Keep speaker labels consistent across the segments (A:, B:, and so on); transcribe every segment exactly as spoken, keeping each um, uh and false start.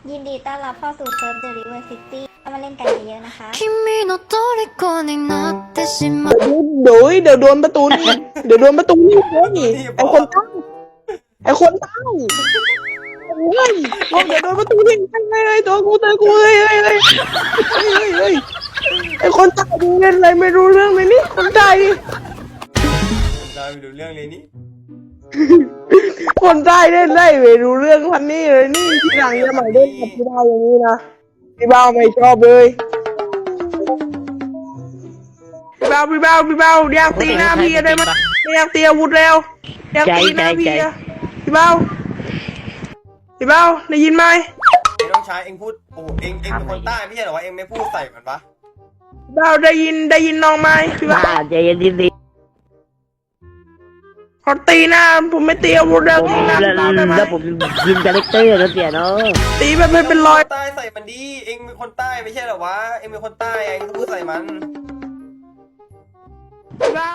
A: ยินดีต้อนรับเข้าสู่เซิร์ฟ The River City เข้ามาเล่นกันเยอะๆนะคะ
B: 君の虜になってしまう
C: เดี๋ยวเดี๋ยวโดนประตูนี่เดี๋ยวโดนประตูนี่เฮ้ยไอคนใต้ไอคนใต้เฮ้ยเดี๋ยวโดนประตูนี่เฮ้ยเฮ้ยตัวกูตัวกูเฮ้ยเฮ้ยเฮ้ยเฮ้ยเฮ้ยไอคนใต้ดูเล่นอะไรไม่รู้เรื่องเลยนี่คนใต้
D: คนใต้ไม่รู้เรื่องเลยนี่
C: คนใต้เล่นได้ไม่รู้เรื่องพันนี่เลยนี่ที่หลังจะมาเล่นกับพี่บ้าอย่างนี้นะพี่บ้าไม่ชอบเลยพี่บ้าพี่บ้าพี่บ้าอยากตีหน้าพี่ได้ไหมอยากตีอาวุธแล้วอยากตีหน้าพี่อะพี่บ้าพี่บ้าได้ยินไหม
D: ไอ้น้องชายเอ็งพูดโอ้เอ็งเอ็งเป็นคนใต้ไม่ใช่เหรอวะเอ็งไม่พูดใส่มันปะ
C: พี่บ้าได้ยินได้ยินน้องไหมพี่บ้า
E: ใจเย็นดี
C: เขาตีหน้าผมไม่ตีอาวุธแล้วตีหน้าพี่บ้าได้ไหม
E: แล้วผมยินคาแรคเตอร์แล้วเสียเนาะ
C: ตีแบบไม่เป็นรอย
D: ใต้ใส่มันดีเอ็งเป็นคนใต้ไม่ใช่เหรอวะเอ็งเป็นคนใต้เอ็งพูดใส่มัน
C: พี่บ้า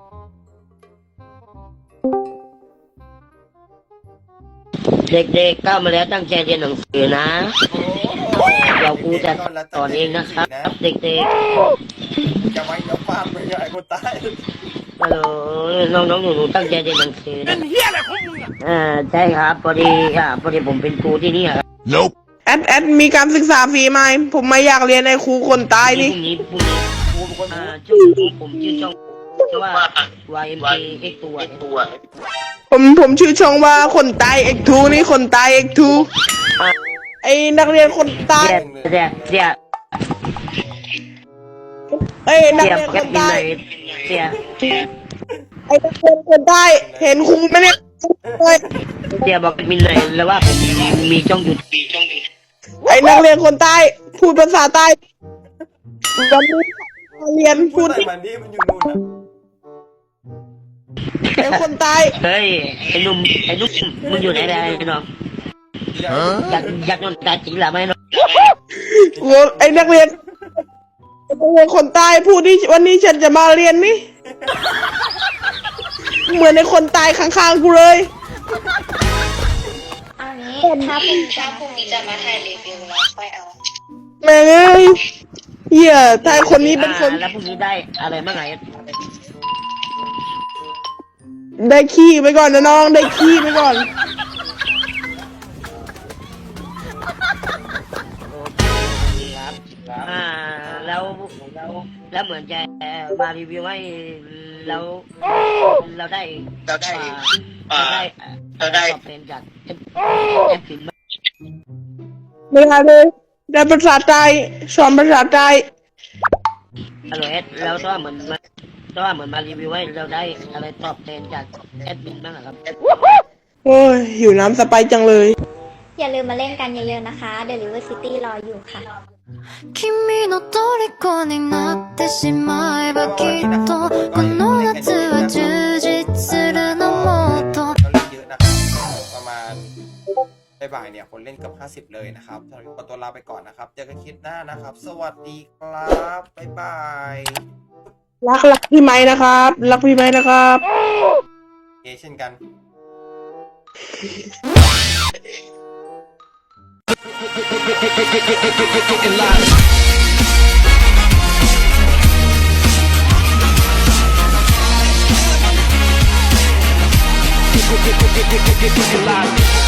E: เด็กๆเข้ามาแล้วตั้งใจเรียนหนังสือนะเราครูจะสอนเองนะครับเด็กๆ
D: จะไว้เดี๋ยวฟาดไปไอ้คนใต้
E: เออน้องๆหนูๆตั้งใจเรียนหนังสือนะอ่าใช่ครับพอดีอ่าพอดีผมเป็นครูที่นี่ครับ
C: Nope แอดแอดมีการศึกษาฟรีไหมผมไม่อยากเรียนในครูคนใต้นี่
E: พรุ่งนี้พรุ่งนี้ครูเป็นคนอ่าช่องผมชื่อช่องว่า วาย เอ็ม เค X ตัวตัว
C: ผมผมชื่อช่องว่าคนใต้ เอ็กซ์ ทู นี่คนใต้ เอ็กซ์ ทู ไอ้นักเรียนคนใต้
E: เสียเสีย
C: เอ้ยนักเรียนคนใต้
E: เสีย
C: ไอ้นักเรียนคนใต้เห็นครูไหมเนี่ย
E: เสียบอกมินเลยแล้วว่าผมมีช่องอยู่
C: ไอ้นักเรียนคนใต้พูดภาษาใต้วันนี้เรียนพูด
D: ใส่มันดีมันอยู่นู่นนะ
C: ไอ้คนใต้
E: เฮ้ยไอ้หนุ่มไอ้หนุ่มมึงอยู่ไหนได้น้องอยากอยากนอนตาจริงหรือไม่น้อง
C: ไอ้นักเรียนนักเรียนคนใต้พูดที่วันนี้ฉันจะมาเรียนนี่เหมือนในคนใต้ข้างๆกูเลย
A: เอางี้ถ้าพรุ่งนี้ถ้าพรุ่งนี้จะมาถ่ายรีวิวแล้วค่อยเอา
C: แม่เอ้ยเหี้ยใต้คนนี้เป็นคน
E: แล้วพรุ่งนี้ได้อะไรบ้างไง
C: ได้ขี้ไปก่อนนะน้องได้ขี้ไปก่อน
E: อ่าแล้วแล้วแล้วเหมือนจะมารีวิวให้แล้วเราได้เราได้เราได้เราได้ตอบเป็นจากเอฟเอฟฟิล์ม
C: ไม่ได้เลยได้ภาษาใต้สอนภาษาใต้
E: อร่อยแล้วก็เหมือนก็เหมือนมารีวิวให้เราได้อะไรตอบแทนจากแอดมินบ้างครับ
C: โอ้ยหิวน้ำสไปจังเลย
A: อย่าลืมมาเล่นกันเยอะๆนะคะ The River City รออยู่ค่ะ
B: 君の虜になってしまえばきっとこの夏は充実するのもっと
D: เยอะนะครับประมาณบ่ายเนี่ยคนเล่นกับห้าสิบเลยนะครับสำหรับขอตัวลาไปก่อนนะครับเจอกันคลิปหน้านะครับสวัสดีครับบ๊ายบาย
C: รักรักพี่ไม้นะครับรักพี่ไม้นะครับ
D: เอเช่นกัน
F: Get, get, get, get, get, get, get, get, get, get,